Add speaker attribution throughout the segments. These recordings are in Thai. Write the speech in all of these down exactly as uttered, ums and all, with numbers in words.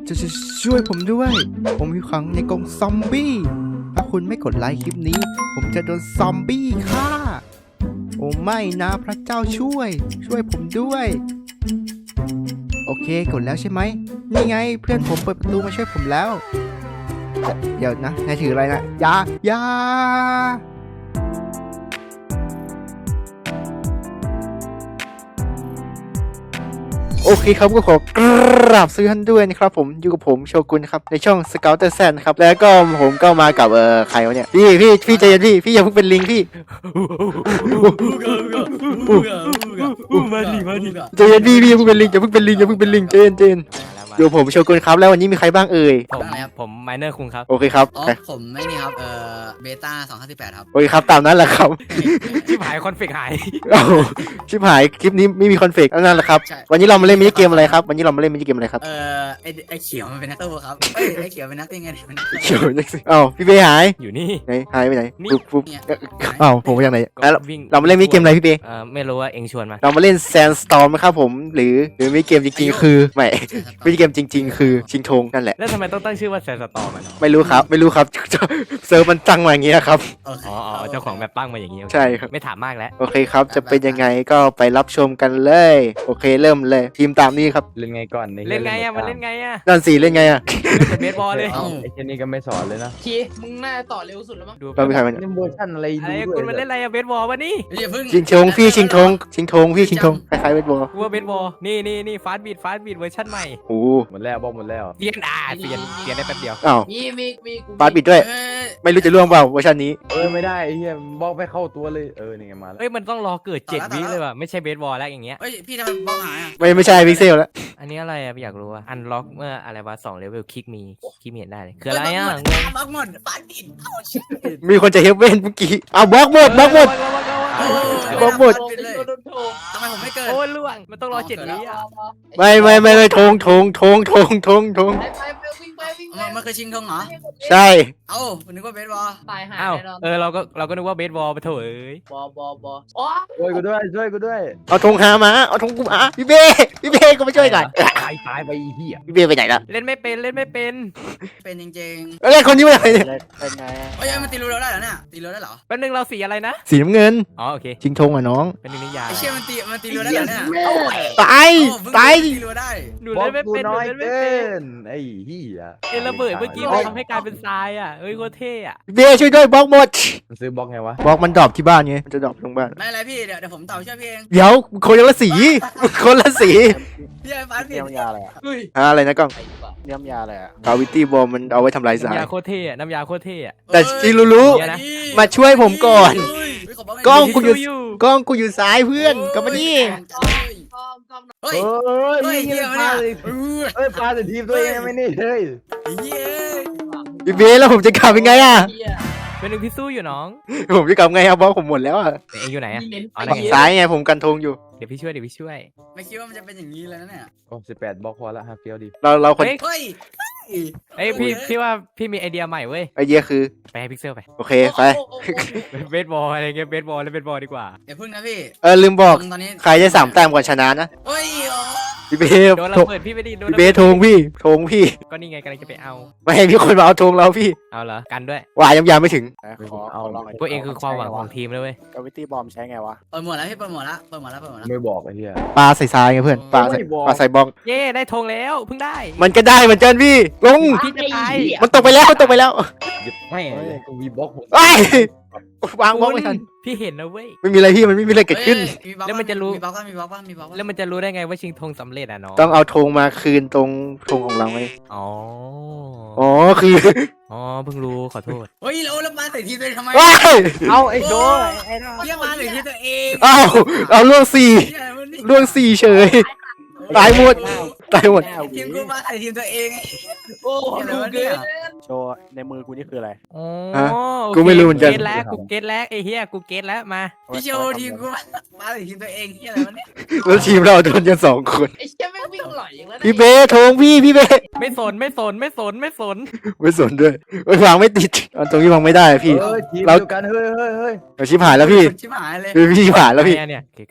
Speaker 1: จะช่วยผมด้วยผมอยู่ขังในกรงซอมบี้ถ้าคุณไม่กดไลค์คลิปนี้ผมจะโดนซอมบี้ฆ่าโอ้ไม่นะพระเจ้าช่วยช่วยผมด้วยโอเคกดแล้วใช่ไหมนี่ไงเพื่อนผมเปิดประตูมาช่วยผมแล้วเดี๋ยวนะนายถืออะไรนะยายาโอเคครับก็ขอกราบซื้อท่านด้วยนะครับผมอยู่กับผมโชกุนครับในช่อง Scouter Z นะครับแล้วก็ผมก็มากับเอ่อใครวะเนี่ยพี่พี่พี่ใจเย็นพี่พี่อย่าเพิ่งเป็นลิงพี่มาดิมาดิใจเย็นพี่พี่อย่าเพิ่งเป็นลิงอย่าเพิ่งเป็นลิงอย่าเพิ่งเป็นลิงใจเย็นใจเย็นอยู่ผมโชกุนครับแล้ววันนี้มีใครบ้างเอ่ย
Speaker 2: ผมผมไมเนอร์คุงครับ
Speaker 1: โอเคครับ
Speaker 3: อ๋อผมไม่นี่ครับเอ่อเบต้าสองพันสิบแปดครับ
Speaker 1: โอเคครับตามนั้นแหละครับ
Speaker 2: ชิบหายคอนฟิกหาย
Speaker 1: เอ้าชิบหายคลิปนี้ไม่มีคอนเฟกต์นั่นแหละครับวันนี้เรามาเล่นมินิเกมอะไรครับวันนี้เรามาเล่นมินิเกมอะไรครับ
Speaker 3: เอ่อไอไอเขียวมันเป็นนักตู้ครับเอ้ยไอเขียวเป็นนักตีไงเป็นนัก
Speaker 1: เขียวนักสิเอ้าพี่เบย์หาย
Speaker 2: อยู่นี่
Speaker 1: ไหนหายไปไหนปุ๊บปุ๊บเอ้าผมไปยังไหนเรามาเล่นมินิเกมอะไรพี่เบย์
Speaker 2: เอ่อไม่รู้ว่าเองชวนมา
Speaker 1: เรามาเล่นแซนสตอร์มครับผมหรือหรือมินิเกมจริงๆคือไม่มินิเกมจริงๆคือชิงธงนั่นแหละ
Speaker 2: แล้วทำไมต้องตั้งชื่อว่าแซนสตอร์มัน
Speaker 1: ไม่รู้ครับไม่รู้ครับเซิร์ฟมันตั้งมาอย่างนี้ครับ
Speaker 2: อ๋อเจ้าของแบบตั้งมาอย่างนี้
Speaker 1: ใช่ครับ
Speaker 2: ไม่ถามมากแล้ว
Speaker 1: โอเคครับจะเป็นยังไงก็ไปรับชมกันเลยโอเคเริ่มเลยทีมตามนี้ครับ
Speaker 4: เล่นไงก่อน
Speaker 2: เล่นไงอ่ะมันเล่นไงอ่ะ
Speaker 1: นั่นสิเล่นไงอ่ะ
Speaker 2: เป็นเบสบอลเลย
Speaker 4: ไอ้เจนี่ก็ไม่สอนเลยนะ
Speaker 5: คีมึงน่าต่อเร็วสุดแล้วมั้ง
Speaker 1: เราไม่ใครมัน
Speaker 4: เล่นเวอร์ชันอะไร
Speaker 2: อะไรคุณมันเล่นอะไรอะเบสบอลวะนี่
Speaker 1: ชิงธงพี่ชิงธงชิงธงพี่ชิงธงคล้ายๆเบสบอล
Speaker 2: ว่าเบสบอลนี่นี่นี่ฟาสต์บีทฟาสต์บีทเวอร์ชันใหม่
Speaker 1: โอ้
Speaker 4: หมดแล้วบอกหมดแล้ว
Speaker 2: เปลี่ยนอ่ะเปลี่ยนเปลี่ยนได้แป๊บเดียว
Speaker 1: อ้าว
Speaker 5: มีมีมีกู
Speaker 1: ฟาสต์บีทด้วยไม่รู้จะร่วงเปล่าเวอร์ชันนี้
Speaker 4: เออไม่ได้ไอ้เหี้ยบอกไม่เข้าตัวเลยเออนี่ไงมาแล้ว
Speaker 2: เฮ้ยมันต้องรอเกิดเจ็ดวิเลยว่ะไม่ใช่เบสบอลแล้วอย่างเงี้ย
Speaker 3: เฮ้ยพี่ทำไมบล็อกหายอ่ะ
Speaker 1: ไม่ไม่ใช่พิกเซลแล้ว
Speaker 2: อันนี้อะไรอะอยากรู้ว่าอันล็อกเมื่ออะไรวะสองเลเวลคลิกมีคลิกมีเห็นได้เลยคืออะไรอ่ะ
Speaker 3: บล็อกหมดฟาดบิด
Speaker 1: มีคนจะเฮฟเว่นเมื่อกี้เอาบล็อกหมดบล็อกหมดบล็อกหมด
Speaker 3: ทำไมผมไม่เกิด
Speaker 2: โอ้ยล่วงมันต้องรอเจ็ดวิอ่ะ
Speaker 1: ไม่ไม่ไม่ไม่ทงทงทงทงทงทง
Speaker 3: มันคือชิงทงเหรอ
Speaker 1: ใช่
Speaker 3: เอ้านึกว่าเบสบอล
Speaker 5: ตายหาย
Speaker 2: อ้าวเออเราก็เราก็นึกว่าเบสบอลไปเถอะเอ้ย
Speaker 5: บอบอบออ๋อ
Speaker 4: ช่วยกูด้วยช่วยกูด้วย
Speaker 1: เอาธงหามาเอาธงกูมาพี่เบ้พี่เบ้ก็มาช่วยหน่อย
Speaker 4: ตายตายไปเหี้ย
Speaker 1: พี่เบ้ไปไหนล่ะ
Speaker 2: เล่นไม่เป็นเล่นไม่เป็น
Speaker 3: เป็นจริง
Speaker 1: ๆแล้วคนนี้มาไหนเนี่ย
Speaker 3: เป็นไงเฮ้ยมันตีรูเราได้เหรอเนี่ยตีรูได้เหรอ
Speaker 2: แป๊บนึงเราสีอะไรนะ
Speaker 1: สีน้ำเงิน
Speaker 2: อ๋อโอเค
Speaker 1: ชิงธงอ่ะน้อง
Speaker 2: เป็นนิยาย
Speaker 3: ไอเชี่ยมันตีมันตีรูได้เหรอเนี่ย
Speaker 1: ตายตาย
Speaker 3: ตีรูได้
Speaker 2: หนูเล่นไม่เป็นหนูเล่นไม่เป็น
Speaker 4: ไอ้เหี้ย
Speaker 2: เอระเบิดเมื่อกี้มันทำให้กลายเป็นทรายอ่ะเอ้ยโคตรเท่อะ
Speaker 1: เบ้ช่วยด้วยบล็อกหมด
Speaker 4: มันซื้อบล็อกไงวะ
Speaker 1: บล็อกมันดรอปที่บ้านไงมันจะดรอปลงบ้าน
Speaker 3: ไม่อะไรพี่เดี๋ยวเดี๋ยวผมต่อช่วยพี่เอง
Speaker 1: เดี๋ยวคนละสีคนละสี
Speaker 3: พี่ไอ้ฟ้าพี่
Speaker 4: น้ำยาอะไรอ่ะ
Speaker 1: อะไรนะกล้อง
Speaker 4: น้ำยาอะไรอ่ะ
Speaker 1: กาวิตี้บอลมันเอาไว้ทำลายสาร
Speaker 2: น้ำยาโคตรเท่อะน้ำยาโคตรเท่อะ
Speaker 1: แต่ที่รู้ๆมาช่วยผมก่อนกล้องกูอยู่กล้องกูอยู่ซ้ายเพื่อนกลับมานี่
Speaker 3: เฮ้ย
Speaker 4: เฮ้ยเฮ้ยพาเลยเฮ้ยพาแต่ทีมตัวเองไม่นี่เฮ้ย
Speaker 1: พี่เบสแล้วผมจะกลับยังไงอ่ะ
Speaker 2: เป็นหนึ่งพี่สู้อยู่น้อง
Speaker 1: ผมจะกลับไงครับบอสผมหมดแล้วอ่ะ
Speaker 2: เองอยู่ไหนอ่ะ
Speaker 1: ฝั่งซ้ายไงผมกันธงอยู่
Speaker 2: เดี๋ยวพี่ช่วยเดี๋ยวพี่ช่วย
Speaker 3: ไม่คิดว่ามันจะเป็นอย่างนี้เลยนะเนี่ย
Speaker 4: โอ้สิบแปดบล็อกพอละฮะเฟี้ยวดี
Speaker 1: เราเราคน
Speaker 3: เฮ้ย
Speaker 2: เอ้ยพี่พี่ว่าพี่มีไอเดียใหม่เว้ย
Speaker 1: ไอเดียคือ
Speaker 2: ไปให้พิกเซลไป
Speaker 1: โอเคไป
Speaker 2: เบสบอลอะไรเงี้ยเบสบอลแล้วเบสบอลดีกว่า
Speaker 3: อย่าพึ่งนะพี่
Speaker 1: เออลืมบอกใครจะสามแต้มก่อนชนะนะ
Speaker 3: เฮ้ย
Speaker 1: พี่เบส
Speaker 2: โดนเราเปิดพี่ไม่ดี
Speaker 1: พี่เบสธงพี่ธงพี่
Speaker 2: ก็นี่ไงกำลังจะไปเอา
Speaker 1: ไม่ให้พี่คนมาเอาธงเราพี่
Speaker 2: เอาเหรอกันด้วย
Speaker 1: วายยังยาไม่ถึง
Speaker 4: เอา
Speaker 2: พวกเองคือความหวังของทีมเลยเว้ย
Speaker 4: กาวิตี้บอมใช้ไงวะ
Speaker 3: เปิดหมดแล้วพี่เปิดหมดแล้วเปิดหมดแล้วเปิดหมดแล้ว
Speaker 4: ไม่บอกไอ้เหี้ย
Speaker 1: ปลาใส่ทรายไงเพื่อนปลาใส่ปลาใส่บอล
Speaker 2: เย่ได้ธงแล้วเพิ่งได้
Speaker 1: มันก็ได้เหมือนกันพี่ลง
Speaker 2: พี่จะตาย
Speaker 1: มันตกไปแล้วมันตกไปแล้ว
Speaker 4: ไม่กูมีบล็อกผม
Speaker 1: วางบล็อกไม่ทัน
Speaker 2: พี่เห็นนะเว้ย
Speaker 1: ไม่มีอะไรพี่มันไม่มีอะไรเกิดขึ้น
Speaker 2: แล้วมันจะรู้
Speaker 3: มีบล็อกมีบล็อกมีบล็อก
Speaker 2: แล้วมันจะรู้ได้ไงว่าชิงธงสำเร็จอ่ะน้อง
Speaker 1: ต้องเอาธงมาคืนตรงธงของเราไง
Speaker 2: อ๋อ
Speaker 1: อ๋อคือ
Speaker 2: อ๋อเพิ่งรู้ขอโทษ
Speaker 3: เฮ้ยเราแล้วมาใส่ทีมตัวเองทำไม
Speaker 1: เอา
Speaker 4: ไอ้โจ้ไอ้
Speaker 3: เรียกมาใส่ทีมตัวเอง
Speaker 1: เอาเอาล่วงสี่ล่วงสี่เฉยตายหมดตายหมด
Speaker 3: ทีมกูมาใส่ทีมตัวเอง
Speaker 5: โอ้ดูเกิน
Speaker 4: โชว์ในมือกูนี่คืออะไร
Speaker 2: อ๋อ
Speaker 1: กูไม่รู้เหมือนกัน
Speaker 2: เกตแล้วกูเกตแล้วไอ้เหี้ยกูเกตแล้วมา
Speaker 3: พี่โชว์ทีมกูมาใส่ทีมตัวเองเหี้ยอะไรวะเนี่ย
Speaker 1: แล้วทีมเราโดนกันสองคน
Speaker 5: ไอ้เชี่ยไม่วิ่งหล่อยอย่างนั้น
Speaker 1: พี่เบสธงพี่พี่เบส
Speaker 2: ไม่สนไม่สนไม่สนไม่สน
Speaker 1: ไม่สนด้วยวางไม่ติดตรงนี้วางไม่ได้พี่
Speaker 4: เรากันเฮ้ยเฮ้ยเฮ้ย
Speaker 1: เราชิบหายแล้วพี่
Speaker 3: ชิบหายเลย
Speaker 1: พี่ชิบหายแล้วพี่
Speaker 2: เนี่ยเกตกลับแล้วล่ะ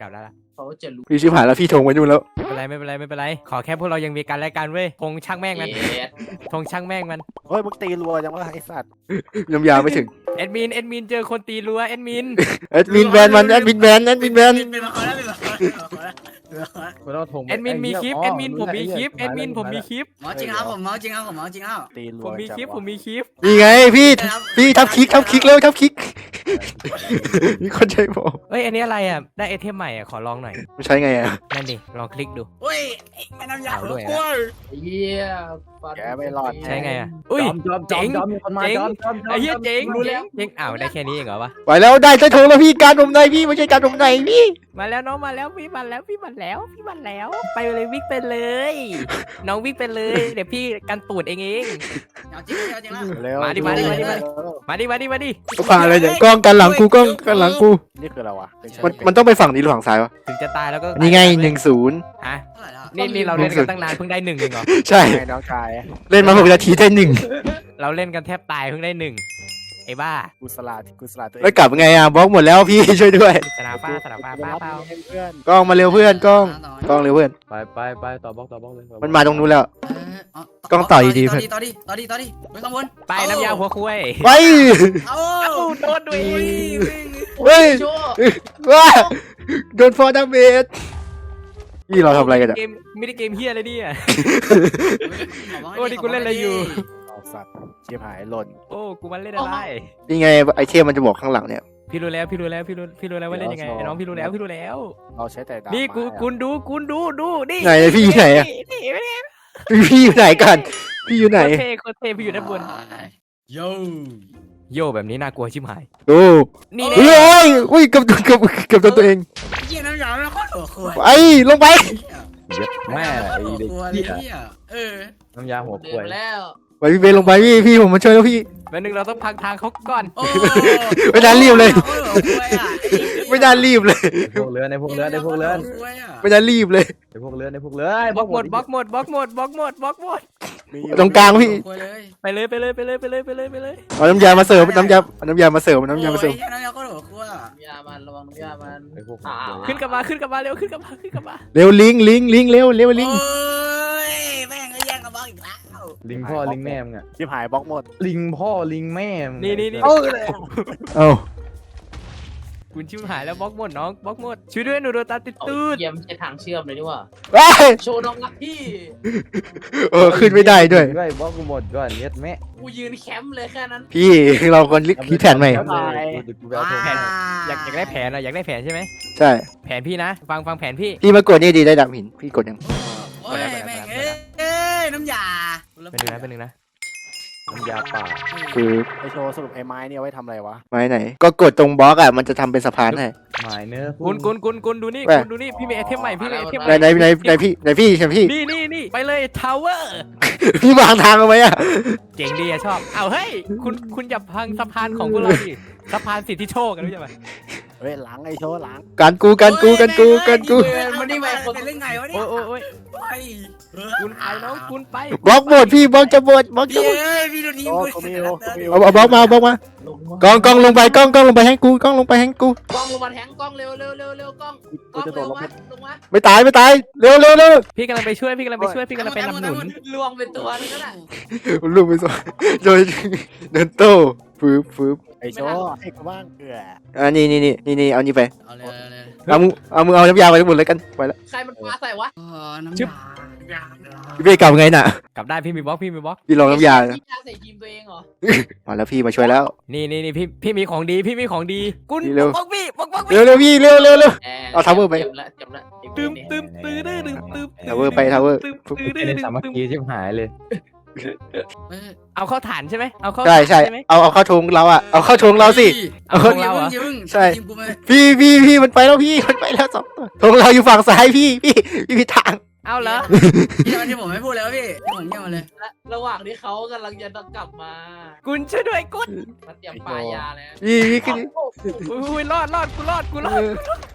Speaker 5: เขาจะรู้
Speaker 1: พี่ชิบหายแล้วพี่ทงไว้นู่นแล้ว
Speaker 2: ไม่เป็นไรไม่เป็นไรไม่เป็นไรขอแค่พวกเรายังมีกันและกันเว้ยธงช่างแม่งมัน
Speaker 5: เอ็ด
Speaker 2: ธงช่างแม่งมัน
Speaker 4: เฮ้ยมึงตีรัวจังวะไอ้สัตว์
Speaker 1: น้ำยาไม่ถึง
Speaker 2: แอดมินแอดมินเจอคนตีรัวแอดมิน
Speaker 1: แอดมินแบนมันแอดมินแบนแอดมินแบน
Speaker 3: เป็นมาขอแล้วเป็นมาขอแล้วเป็นมาขอแล้วเป็นมาขอแล้ว
Speaker 4: กูต้องทง
Speaker 2: แอดมินมีคลิปแอดมินผมมีคลิปแอดมินผมมีคลิป
Speaker 3: หมอจริงครับผมหมอจริงครับผมหมอจริงครับ
Speaker 4: ตีรัว
Speaker 2: ผมมีคลิปผมมีคลิป
Speaker 1: นี่ไงพี่พี่ทับคลิกทับคลิกแล้วทับคลิกมีคนใจบอก
Speaker 2: เอ้ยอันนี้อะไรอ่ะได้ไอเทมใหม่อ่ะขอลองหน่อย
Speaker 1: มันใช้ไงอ่ะ
Speaker 2: นั่นดิลองคลิกดู
Speaker 3: โอ้ยแม่น้ำยา
Speaker 2: เอาด้วย
Speaker 3: โอ้ย
Speaker 5: เยี่ยฟัน
Speaker 4: แกไม่รอด
Speaker 2: ใช้ไงอ่ะ
Speaker 4: อุ้
Speaker 2: อุ้ย
Speaker 4: ยจอมจอมจอมมีคนมา
Speaker 2: เจ๋ง
Speaker 4: จอมจอมจอม
Speaker 2: ไอ้เหี้ยเจ๋ง
Speaker 5: รู้แล้ว
Speaker 2: เจ๋งอ้าวได้แค่นี้เองเหรอวะ
Speaker 1: ไปแล้วได้ใช้ทงแล้วพี่การผมในพี่ไม่ใช่การผมในพี่
Speaker 2: มาแล้วน้องมาแล้วพี่มาแล้วพี่มาแล้วพี่มาแล้ว ไปเลยวิ่งไปเลย น้องวิ่งไปเลยเดี๋ยวพี่กันตูดเองเอง
Speaker 3: เอาจริงเอาจริงแล้ว
Speaker 4: เร็ว
Speaker 2: มาดิมาดิมาดิมาดิ มาดิมาดิมาดิ
Speaker 1: ก็ผ่านอะไรเนี่ยกล้องกันหลังกูกล้องกันหลังกู
Speaker 4: นี่คืออะไรวะเป็น
Speaker 1: มันมันต้องไปฝั่งนี้หรือฝั่งซ้ายวะ
Speaker 2: ถึงจะตายแล้วก็
Speaker 1: นี่ไงหนึ่งศูนย์
Speaker 2: ฮะ
Speaker 3: เท่าไหร่แล้ว
Speaker 2: นี่นี่เราเล่นกันตั้งนานเพิ่งได้หนึ่งเองเหรอ
Speaker 1: ใช่
Speaker 4: ไงน้องชาย
Speaker 1: เล่นมาหกนาทีได้หนึ่ง
Speaker 2: เราเล่นกันแทบตายเพิ่งได้หนึ่งไอ้บ้า
Speaker 4: กูสลาดกูสลาดตัวเอง
Speaker 1: แล้วกลับไงอ่ะบล็อกหมดแล้วพี่ช่วยด้วย
Speaker 2: สนามฟ้าสนามฟ้า
Speaker 4: กู
Speaker 2: ป้า
Speaker 4: รับ
Speaker 2: เปล่า
Speaker 4: ให้เพื่อน
Speaker 1: กล้องมาเร็วเพื่อนกล้องกล้องเร็วเพื่อน
Speaker 6: ไปไปไปต่อบล็อกต่อบล็อกเลยต่อบล็อก
Speaker 1: มันมาตรงนู้นแล้ว
Speaker 3: เออเอา
Speaker 1: กล้องต่อดีๆ
Speaker 3: ต่อดีต่อดีต่อดีต่อดีไปข้างบน
Speaker 2: ไปน้ำยาหัวคุย
Speaker 1: ไป
Speaker 3: เอา
Speaker 2: เอ้าโดนด้วย
Speaker 1: เฮ้ย
Speaker 5: โชว์
Speaker 1: ว้าโดนฟอร์ดาเมจพี่เราทำอะไรกันอ่ะ
Speaker 2: เกมไม่ได้เกมเฮียอะไรเนี่ย
Speaker 3: ขบกให้
Speaker 2: โอ้นี่กูเล่นอะไรอยู่
Speaker 4: ออกสัตว์เชียบหายหล่น
Speaker 2: โอ้กูมันเล่นอะไร
Speaker 1: นี่ไงไอเทมมันจะบอกข้างหลังเนี่ย
Speaker 2: พี่รู้แล้วพี่รู้แล้วพี่รู้พี่รู้แล้วว่าเล่นยังไงไอ้น้องพี่รู้แล้วพี่รู้แล้ว
Speaker 4: เราใช้แต่ดาบ
Speaker 2: นี่กู
Speaker 4: ไม้อะ
Speaker 2: กูดูกูดูดูนี่
Speaker 1: ไหนพี่อยู่ไหนอะ
Speaker 2: นี่ไม่ได้
Speaker 1: พี่อยู่ไหนกันพี่อยู่ไหน
Speaker 2: โคตรเท่โคตรเท่พี่อยู่ด้านบน
Speaker 3: โย
Speaker 2: โยแบบนี้น่ากลัวชิบหาย
Speaker 1: โอ้
Speaker 2: นี่
Speaker 1: เฮ้
Speaker 2: แน่
Speaker 1: ยอุ้ยเกับเกับเกับตัวตัวเอง
Speaker 3: เยี่ยน้ำยาไม่โคตรหัวขวด
Speaker 1: ไปลงไป
Speaker 6: เย็ดแม่ไอ้
Speaker 3: หัว
Speaker 6: เด็ก
Speaker 3: ขวด
Speaker 6: เหี้ย
Speaker 3: เหี้ยเออ
Speaker 6: น้ำยาหัว
Speaker 5: เดิ
Speaker 6: ป่วน ย
Speaker 5: มาแล้ว
Speaker 1: ไปพี่เบนลงไปพี่พี่ผมมาช่วยแล้วพี่
Speaker 2: แป๊บนึงเราต้องพังทางเขาก่อน
Speaker 3: โอ้
Speaker 1: ไม่น่ารีบเลย
Speaker 3: โอ้หัวขวดอะ
Speaker 1: ไม่น่ารีบเลย
Speaker 6: ในพวกเรือนในพวกเรือนในพวกเรือน
Speaker 3: หัวขวดอะ
Speaker 1: ไม่น่ารีบเลย
Speaker 6: ในพวกเรือนในพวกเรือน
Speaker 2: บล็อกหมดบล็อกหมดบล็อกหมดบล็อกหมดบล็อกหมด
Speaker 4: มีอยู่
Speaker 1: ตรงกลางพี่
Speaker 3: หัวขวดเลย
Speaker 2: ไปเลยไปเลยไปเลยไปเลยไปเลยไปเลย
Speaker 1: เอาน้ำยามาเสิร์ฟน้ำยาเอาน้ำยามาเสิร์ฟน้ำยามาเสิร์ฟ
Speaker 3: โอ้ยน้ำยาโคตรหัวขวดอะ
Speaker 5: น้ำยามันระวังน้ำยามัน
Speaker 6: ในพวก
Speaker 5: อ้าว
Speaker 2: ขึ้นกลับมาขึ้นกลับมาเร็วขึ้นกลับมาขึ้นกลับมา
Speaker 1: เร็วลิงลิงลิงเร็วเร็วลิง
Speaker 3: โอ้ยแม่งก็แย่งกระบอกอีกแล้ว
Speaker 6: ลิงพ่อลิงแม่มึงอะ
Speaker 4: ชิบหายบล็อกหมด
Speaker 6: ลิงพ่อลิงแม่มึง
Speaker 2: นี่นี่นี่
Speaker 1: เอ้า
Speaker 2: คุณชิบหายแล้วบล็อกหมดน้องบล็อกหมดช่วยด้วยหนูโดนตาติด
Speaker 5: เอา
Speaker 2: ตูด
Speaker 5: เยี่ยมใช้ทางเชื่อมเลยดีกว่า
Speaker 1: เอ้ย
Speaker 5: โชว์น้องรักพี่
Speaker 1: เออขึ้นไม่ได้ด้วย
Speaker 6: ด้วยบล็อกกูหมดก่อนเย็ดแม่
Speaker 5: กูยืนแคมป์เลยแค่นั้น
Speaker 1: พี่เราควรคิดแผนใหม่
Speaker 6: เอาเลยเดี๋ยวกูไปเอาโทรศัพท์
Speaker 2: อยากอยากได้แผนอะอยากได้แผนใช่ไหม
Speaker 1: ใช่
Speaker 2: แผนพี่นะ ฟังฟังแผนพี่
Speaker 1: พี่มากดนี่ดีได้ดับหินพี่กดยัง
Speaker 3: โอ้ยแม่งเอ้ยเอ้ยน้ำยา
Speaker 2: เป็นหนึ่งนะเป็นหนึ่งนะ
Speaker 6: น้ำยาป่า
Speaker 1: คือ
Speaker 4: ไอโชว์สรุปไอ้ไม้เนี่ยเอาไว้ทำอะไรวะ
Speaker 1: ไม้ไหน ก็กดตรงบล็อกอ่ะมันจะทำเป็นสะพานให้
Speaker 6: หมายเนื้อ
Speaker 2: กุนกุนกุนกุนดูนี่
Speaker 1: แว่
Speaker 2: กุนดูนี่พี่มีไอเทมใหม่พี่มีไอเทมให
Speaker 1: ไหน
Speaker 2: ม่
Speaker 1: ไหนไหนไหนพี่ไหนพี่ใช่พี่
Speaker 2: นี่นี่นี่ไปเลยทาวเวอร์
Speaker 1: พี่วางทางเอาไว้อ่ะ
Speaker 2: เจ๋งดีอะชอบเอาเฮ้ยคุณคุณอย่าพังสะพานของพวกเราดิสะพานสิทธิโชคกันรู้ใช่ไหม
Speaker 4: เฮ้ยหลังไอโชว์หลัง
Speaker 1: การกูการกูการกูการกู
Speaker 3: มันนี่ไปเป็นเรื่องไงวะเนี่ย
Speaker 2: โอ้ยโอ้ยโอ้ย
Speaker 3: โอ้ย
Speaker 2: คุณไปน้องคุณไป
Speaker 1: บล็อกหมดพี่บล็อกจะหมดบล็อกจะ
Speaker 3: พี่
Speaker 1: หมด
Speaker 3: เอ้ยพี่ดูทีม
Speaker 4: โอ้
Speaker 3: กู
Speaker 4: กูมีโอ้กูมี
Speaker 1: เอาเอาบล็อกมาเอาบล็อกมา
Speaker 5: ลงมาก
Speaker 1: ล้องกล้องลงไปกล้องกล้องลงไปให้กูกล้องลงไปให้กู
Speaker 5: กล้องลงมาแทงกล้องเร็วเร็วเร็วเร็วกล้องก
Speaker 4: กู
Speaker 5: ล้อง
Speaker 4: จะโด
Speaker 5: เร็
Speaker 4: ด
Speaker 5: ว
Speaker 4: ลง
Speaker 5: มา
Speaker 4: ไป
Speaker 5: ลงมา
Speaker 1: ไม่ตายไม่ตายเร็วเร็วเร็ว
Speaker 2: พี่กำลังไปช่วยพี่กำลังไปช่วยพี่กำลังไปนำหนุน
Speaker 5: ลวงเป็นตัวนึงก็ได้
Speaker 1: ลูกไปสอนโดยเดินโต้ฟืบฟืบ
Speaker 4: ไอโชว์ให้กูบ้างเออ
Speaker 1: อ่านี่นี่นี่นี่นี่เอานี่ไป
Speaker 3: เอาเลยเอาเลย
Speaker 1: เอามือเอามือเอาน้ำยาไปทั้งหมดเลยกันไปแล้ว
Speaker 5: ใครมันปาใส่วะ
Speaker 3: อ๋อน้ำยา
Speaker 1: พี่เบ้กลับไงน่ะ
Speaker 2: กลับได้พี่มีบล็อกพี่มีบล็อก
Speaker 1: พี่ลองน้ำยา
Speaker 5: พี่ยาใส่ทีมตัวเองเหรอ
Speaker 1: มาแล้วพี่มาช่วยแล้ว
Speaker 2: นี่นี่นี่พี่พี่มีของดีพี่มีของดีกุน
Speaker 1: นี่เร็ว
Speaker 2: บล็อกพี่บล็อกบล็อก
Speaker 1: เร็วเร็วพี่เร็วเร็วเร็ว
Speaker 5: แ
Speaker 1: เอาทาวเวอร์ไป
Speaker 5: เจ็บละเจ็บละเจ็บ
Speaker 2: ตึม
Speaker 5: เนี่ย
Speaker 2: ตึมตื้อดื้อดื้อตึม
Speaker 1: ทาวเวอร์ไปทาวเวอร์
Speaker 2: ตึมตื้อดื้อ
Speaker 6: เป็น
Speaker 2: ดื้อ
Speaker 6: สามัค
Speaker 2: ตึม
Speaker 6: คีชิบหายเลย
Speaker 3: เอ้ย
Speaker 2: เอาเข้าฐานใช่ไหมเอาเข้า
Speaker 1: ใช่ใช่
Speaker 2: ฐานใช่ไหม
Speaker 1: เอาเอาเข้าทงเราอ่ะเอาเข้าทงเราสิ
Speaker 2: เอาของเราเหรอ
Speaker 3: ย่พิ่ง
Speaker 1: ใช่
Speaker 3: ทีมกูไม่
Speaker 1: พี่พี่พี่มันไปแล้วพี่มันไปแล้วสองตัวทงเราอยู่ฝั่งซ้ายพี่พี่พี่ผิดทาง
Speaker 2: เอาเหรอ
Speaker 3: พี่วันที่ผมไม่พูดแล้วพี่ที่ผมเงียบมาเลย
Speaker 5: และระหว่างที่เขากำลังจะกลับมา
Speaker 2: กุนช่วยด้วยกุน
Speaker 5: มาเตรียมปลายาแล้ว
Speaker 1: พี่พี่ขึ้น
Speaker 2: อุ้ยรอดรอดกูรอดกูรอด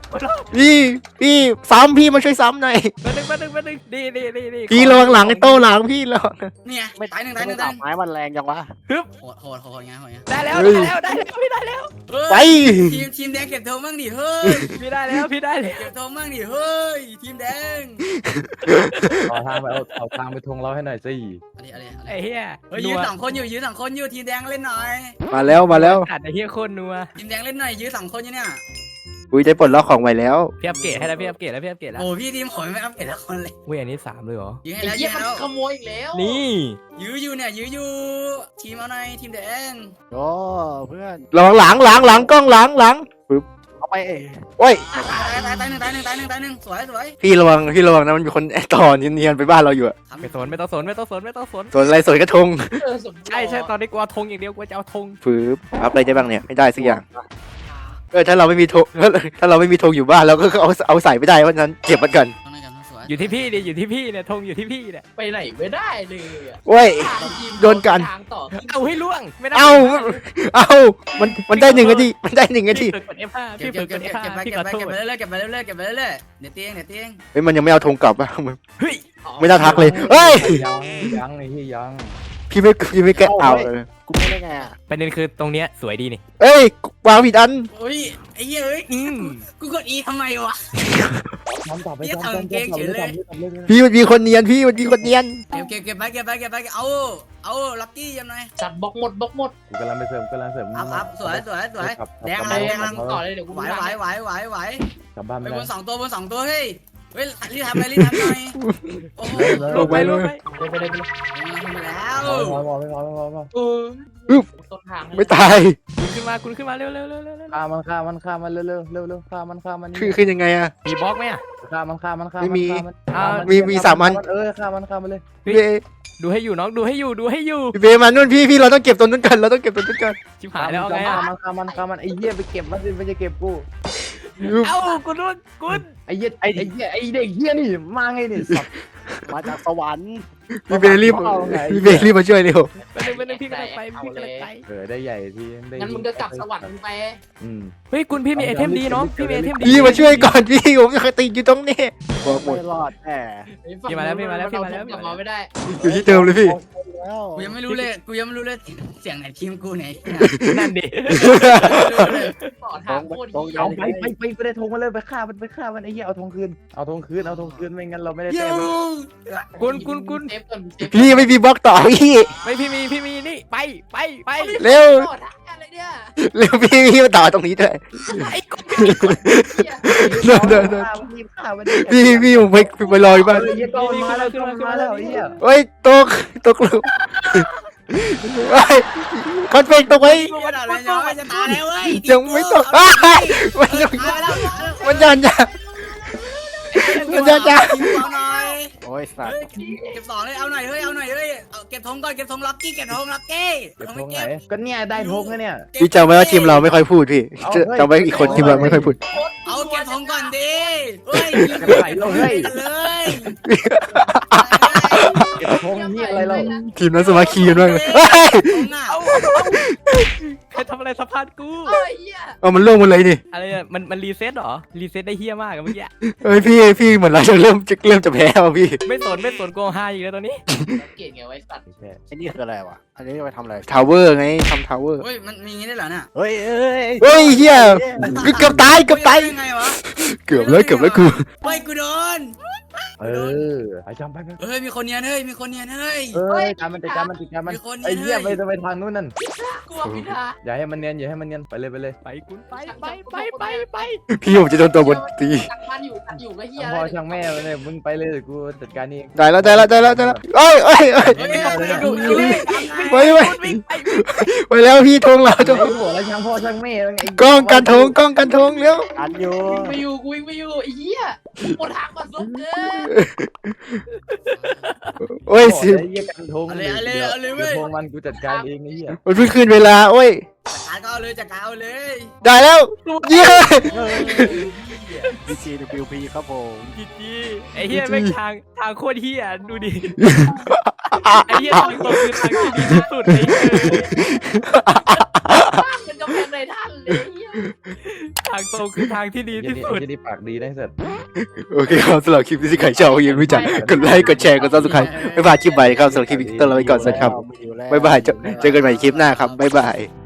Speaker 1: พี่พี่ซ้ำพี่มาช่วยซ้ำหน่อย
Speaker 2: มาหนึ่งมาหนึ่งมาหนึ่งดีดีดีดี
Speaker 1: พี่ระวังหลังไอ้โต้หลังพี่ระวัง
Speaker 3: เนี่ย
Speaker 4: ไม่
Speaker 3: ตายหนึ่งตายหนึ่ง
Speaker 4: ดา
Speaker 3: ตาย
Speaker 4: บ
Speaker 3: หนึ่ง
Speaker 4: ไม้มันแรงจังวะ
Speaker 3: โหดโหดโหดไงโหดไง
Speaker 2: ได้แล้วได้แล้วได้แล้วพี่ได้แล้ว
Speaker 1: ไป
Speaker 3: ทีมทีมแดงเก็บธงบ้างดิเฮ้ย
Speaker 2: พี่ได้แล้วพี่ได้แล้ว
Speaker 3: เก็บธงบ้างดิเฮ้ยทีมแดง
Speaker 6: เอาทางไปเอาเอาทางไปทงเราให้หน่อยสิ
Speaker 3: อะไรอะไรอะไร
Speaker 2: ไอ้เฮีย
Speaker 3: เฮ้ยยืนสองคนอยู่ยืนสองคนอยู่ทีมแดงเล่นหน่อย
Speaker 1: มาแล้วมาแล้ว
Speaker 2: อัดไอ้เฮียโคตรนัว
Speaker 3: ทีมแดงเล่นหน่อยยืนสองคนอยู่เนี่ย
Speaker 1: อุ้ยได้ปลดล็อกของใหม่แล้ว
Speaker 2: พี่อัปเกรดให้แล้วพี่อัปเกรดแล้วพี่อัปเกรดแล้ว
Speaker 3: โอ้พี่ทีมขอไม่อัพเกรดละคนเลย
Speaker 2: เว้ยอันนี้สามเลยเหรอ
Speaker 3: ยืนให้
Speaker 5: ไอ้
Speaker 3: แล้ว
Speaker 5: เหี้
Speaker 3: ยื
Speaker 5: ย
Speaker 3: น
Speaker 5: มัน
Speaker 3: ให้แล้ว
Speaker 5: ขโมยอีกแล้ว
Speaker 2: นี่
Speaker 3: ยื้ออยู่เนี่ยยื้ออยู่ทีมเอาหน่อยทีมแดง
Speaker 4: โอ้เพื่อน
Speaker 1: ระวังหลังหลังหลังกล้องหลังหลัง
Speaker 4: เอาไปเอง
Speaker 1: โอ้ย
Speaker 3: ตายตายตายหนึ่งตายหนึ่งตายหนึ่งตายหนึ่งสวยสวย
Speaker 1: พี่ระวังพี่ระวังนะมันมีคนแอบต่อเนียนๆไปบ้านเราอยู่อะ
Speaker 2: ไม่สนไม่ต้องสนไม่ต้องสนไม่ต้องสน
Speaker 1: ส่วนอะไรส่วนกระทง
Speaker 5: เออสม
Speaker 2: ใช่ใช่ตอนนี้กูเอาธงอย่างเดียวกูจะเอาธง
Speaker 1: ฟืบอัพอะไรได้บ้างเนี่ยไม่ได้สักอย่างเออถ้าเราไม่มีธงถ้าเราไม่มีธงอยู่บ้านเราก็เอาเอาใส่ไม่ได้เพราะฉะนั้นเก็บมันก่อน
Speaker 3: ต้องหน่อยกันสวย
Speaker 2: อยู่ที่พี่ดิอยู่ที่พี่เนี่ยธงอยู่ที่พี่เนี่ย
Speaker 5: ไปไหนไม่ได้เลยอะ
Speaker 1: โอ้ย
Speaker 5: ทีม
Speaker 1: โดนกัน
Speaker 5: ทางต่อ
Speaker 2: เอาให้ล่วงไม่ได้
Speaker 1: เอาเอามันมันได้หนึ่งนาทีมันได้หนึ่งนาที
Speaker 2: พี่เปิดกด เอฟ ห้า
Speaker 3: เก็
Speaker 2: พี่
Speaker 3: บเก็
Speaker 2: เปิ
Speaker 3: บ
Speaker 2: ดก
Speaker 3: เก็บ
Speaker 2: ด
Speaker 3: เก็
Speaker 2: เอบ ฟ
Speaker 3: ไป
Speaker 2: ห้า
Speaker 3: เก็บ
Speaker 2: พี่
Speaker 3: ไป
Speaker 2: ขอโท
Speaker 3: เก็บ
Speaker 2: ษ
Speaker 3: ไปเรื่อยๆเก็บไปเรื่อยๆเก็บไปเรื่อยๆเดี๋ยวเตียงเดี๋ยวเตียง
Speaker 1: เฮ้ยมันยังไม่เอาธงกลับอะมึง
Speaker 2: เฮ้ย
Speaker 1: ไม่น่าทักเลยเฮ้ย
Speaker 6: ยังยังไอ้ที่ยัง
Speaker 1: พี่ไม่พี่ไม่แกะเอาเลย
Speaker 4: กูไม่ได้ไงอ่ะ
Speaker 2: ประเด็นคือตรงเนี้ยสวยดีนี่
Speaker 1: เอ้ยวางผิดอัน
Speaker 3: โอ้ยไอ้เหี้ยเอ้ย
Speaker 2: อืม
Speaker 3: กูกดอีทำไมวะ
Speaker 6: ทำต่อไป
Speaker 3: เหี้ย
Speaker 6: ทำ
Speaker 3: ทำเก่งเฉยเลย
Speaker 6: ทำเลย
Speaker 1: พี่มันมีคนเนียนพี่มันมีคนเนียน
Speaker 3: เก็บเก็บเก็บไปเก็บไปเก็บไปเอาเอาลักกี้ยังไง
Speaker 5: จัดบล็อกหมดบล็อกหมด
Speaker 6: กูกำลังไปเสริมกำลังเสริม
Speaker 3: อัพอัพสวยสวยสวยแดง
Speaker 5: ไป
Speaker 3: อะไรแดง
Speaker 5: มั
Speaker 3: ลั
Speaker 5: น
Speaker 3: ง
Speaker 5: ต่อเลยเดี๋ยวกู
Speaker 3: ไหว
Speaker 5: ดู
Speaker 3: ไหว
Speaker 5: ทาง
Speaker 3: ไหวไหวไหว
Speaker 6: กลับบ้าน
Speaker 3: ไป
Speaker 6: ไม่
Speaker 3: บ
Speaker 6: ได้
Speaker 3: นสองตัวบนสองตัวเฮ้ยเฮ้ยรีบทำไปรีบทำหน่อยโอ้โห
Speaker 2: ลงไปลงไป
Speaker 5: ไปไปเลยไปเลย
Speaker 3: ทำแล้ว
Speaker 6: พอพอไม่พอไม่พอไม่พอ
Speaker 5: เออต้นทาง
Speaker 1: ไม่ตาย
Speaker 2: คุณขึ้นมาคุณขึ้นมาเร็วเร็วเร็วเร็วเร็ว
Speaker 6: ฆ่ามันฆ่ามันฆ่ามันเร็วเร็วเร็วเร็วฆ่ามันฆ่ามัน
Speaker 1: คือคือยังไงอะ
Speaker 2: มีบล็อกไหมอ่ะ
Speaker 6: ฆ่ามันฆ่ามันฆ่า
Speaker 1: ไม่มี
Speaker 6: มัน
Speaker 2: อ่า
Speaker 1: มีมีสามอัน
Speaker 6: เออฆ่ามันฆ่ามันเลย
Speaker 1: พี่เบ
Speaker 2: ดูให้อยู่น้องดูให้อยู่ดูให้อยู่
Speaker 1: พี่เบมานู่นพี่พี่เราต้องเก็บตัวนู้นกันเราต้องเก็บตัวนู้นกัน
Speaker 2: ชิบหายแล้วเอาไง
Speaker 6: ฆ่า
Speaker 2: อ่ะ
Speaker 6: มันฆ่ามันฆ่ามันไอ้เหี้ยไปเก็บมันสิไม่ใช่เก็บกู
Speaker 2: เอ้ากูนู่นกู
Speaker 6: ไอ้เหี้ยไอ้ไอ้เหี้ยไอ้เด็กเหี้ยนี่มาไงนี่สัตว์
Speaker 4: มาจากสวรรค์
Speaker 1: พี่เบรีบพี่เบรีบมาช่วยเร็ว
Speaker 2: ไปหนึ่งไปหนึ่งพี่กำลังไปพี่กำลังไป
Speaker 6: เออได้ใหญ่ที่ได้
Speaker 5: งั้นมึงก็กลับสวรรค์ไป
Speaker 6: อืม
Speaker 2: เฮ้ยคุณพี่มีไอเทมดีน้องพี่มีไอเทมดี
Speaker 1: พี่มาช่วยก่อนพี่ผมจะติดอยู่ตรงนี้บอกหมด
Speaker 4: ไม่รอดแน่
Speaker 2: พี่มาแล้วพี่มาแล้วพี่มาแล้ว
Speaker 5: กลับมาไม่ได้
Speaker 1: อยู่ที่เดิมเลยพี่
Speaker 4: แล้ว
Speaker 3: กูยังไม่รู้เลยกูยังไม่รู้เลยเสียงไหนทีมกูไหน
Speaker 2: นั่นดิ
Speaker 5: ต่อทางโคตร
Speaker 4: ตรง
Speaker 5: เหี้ย
Speaker 6: เอาไปไปไปไปได้ธงมาเลยไปฆ่ามันไปฆ่ามันไอ้เหี้ยเอาธงคืนเอาธงคืนเอาธงคืนไม่งั้นเราไม่ได้
Speaker 3: เย้
Speaker 6: แต้ม
Speaker 2: คุณคุณคุณ
Speaker 5: เซฟก่อนเซฟ
Speaker 1: พี่ไม่มีบล็อกต่อพี่
Speaker 2: ไม่พี่มีพี่มีนี่ไปไปไป
Speaker 1: เร็ว
Speaker 5: ต่อทางอะไรเนี่ย
Speaker 1: เร็วพี่พี่มาต่อตรงนี้ด้วย
Speaker 2: ไอ้กู
Speaker 1: เดินเดินเดิน
Speaker 6: ฆ่ามันรีบฆ่ามัน
Speaker 1: พี่พี่ผมไปไปรออยู่บ้าน
Speaker 6: เออเหี้ยก็มันมาแล้วก็มันมาแล้วไอ้เหี้ย
Speaker 1: เฮ้ยตกตกหลุมเฮ้ยคอนเฟกตกไว้
Speaker 3: กูจะเลยน้อยจะตายแล้วเว้ย
Speaker 1: ยังไม่ตกอ้ายมันยัง
Speaker 3: ตายแล้ว
Speaker 1: มันยันยันมันยันยัน
Speaker 3: เอาหน่อย
Speaker 4: โอ้ยสัต
Speaker 3: เฮ้
Speaker 4: ว์
Speaker 3: ยเก็บสองเลยเอาหน่อยเฮ้ยเอาหน่อยเฮ้ยเอาเก็บธงก่อนเก็บธงลักกี้เก็บธงลักกี้
Speaker 6: เก็บ
Speaker 3: ธง
Speaker 6: ธ
Speaker 3: ไม่
Speaker 6: งไหน
Speaker 3: เก็บ
Speaker 6: ก็เนี่ยได้ธงแล้วเนี่ย
Speaker 1: พี่จำไว้ว่าทีมเราไม่ค่อยพูดพี่จำไว้อีกคนทีมเราไม่ค่อยพูด
Speaker 3: เอาเก็บธงก่อนดิเฮ้ย
Speaker 6: ไหลเราเฮ้ย
Speaker 3: กันเลย
Speaker 6: เก็บธงนี่อะไรเรา
Speaker 1: ทีมนั้นสมาคีกันมากเลยเฮ้ย
Speaker 3: ธงอ่ะ
Speaker 2: เอาใครทำอะไรสะพานกู
Speaker 5: เอ้ยเหี้ย
Speaker 1: เอามันล่วงหมดเลยนี่
Speaker 2: อะไรเนี่ยมันมันรีเซ็ตเหรอรีเซ็ตได้เฮี้ยมากอะเมื่อกี้
Speaker 1: เฮ้ยพี่พี่เหมือนเราจะเริ่มจะเริ่มจะแพ้ว่ะพี่
Speaker 2: ไม่สนไม่สนโกงฮาอีกแล้วตอนนี้
Speaker 5: เก่งไงไว้สัตว์
Speaker 4: ไอ้นี่คืออะไรวะอันนี้ไปทำอะไร
Speaker 1: ทาวเวอร์ไงทำทาวเวอร์
Speaker 3: เฮ้ยมันมีอย่างนี้ได้เหรอเนี่ย
Speaker 4: เฮ้ยเอ้ย
Speaker 1: เฮ้ยเฮียเกือบตายเกือบตาย
Speaker 3: ยังไงวะ
Speaker 1: เกือบแล้วเกือบแล้วกู
Speaker 3: เฮ้ยกูโดน
Speaker 6: เออไอ้จำไปไป
Speaker 3: เฮ้ยมีคนเนียนเฮ้ยมีคนเนียนเฮ้ย
Speaker 6: เอ้ยการมันจัดการมันจัดการมันไอ้เหี้ยไปจะไปทางนู้นนั่น
Speaker 5: กลัวพิธา
Speaker 6: อย่าให้มันเนียนอย่าให้มันเนียนไปเลยไปเลย
Speaker 2: ไปคุณไปไปไปไปไป
Speaker 1: พี่ผมจะโดนตัวบนตี
Speaker 5: ตักมันอยู่ตักอยู่ก็เฮีย
Speaker 6: ช่างพ่อช่างแม่ไปเลยมึงไปเลยกูจัดการนี่
Speaker 1: ได้แล้วได้แล้วได้แล้วได้แล้วเอ้ยเอ้ยเอ้ย
Speaker 3: เฮ้ย
Speaker 1: ไปไปไปแล้วพี่ธงเราธง
Speaker 6: ไอ้หัวแล้วช่างพ่อช่างแม่
Speaker 1: กล้องกันธงกล้องกันธงเร็ว
Speaker 4: อันอยู่
Speaker 5: วิ่งไปอยู่กูวิ่งไปอยู่ไอ้เหี้ยปวดทางก่อนซุกเกิน
Speaker 1: โอ้ยสิ
Speaker 6: ไอ้เหี้ยกันทงทงมันกูจัดการเองไอ้เหี้ย
Speaker 1: มันเพิ่งขึ้นเวลาโอ้ย
Speaker 3: จัดการก็เอาเลยจัดการเอาเลย
Speaker 1: ได้แล้วเย้
Speaker 4: ดีซีดับเบิลพีครับผม
Speaker 2: จีจีไอ้เฮี้ยแม่งทางทางโคตรเฮี้ยดูดิไอ้เฮี้ยทางตรงคือทางที่ดีที่สุดไอ้เหี้ย
Speaker 5: บ้านเป็นกำแพงในท่านเลยเหี้ย
Speaker 2: ทางตรงคือทางที่ดี
Speaker 6: ไอ้
Speaker 2: ที่
Speaker 6: เหี้ย
Speaker 2: สุด
Speaker 6: นี่ไอ้เหี้ยนี่ปากดีนะไอ้สัตว์
Speaker 1: โอเคครับสำหรับคลิปนี้ที่ใครชอบอย่าลืมรู้จักกดไลค์กดแชร์กดซับสไครต์ไม่พลาดคลิปใหม่ครับสำหรับคลิปนี้ต้องลาไปก่อนสวัสดีครับบ๊ายบายเจอเจอกันใหม่คลิปหน้าครับบ๊ายบาย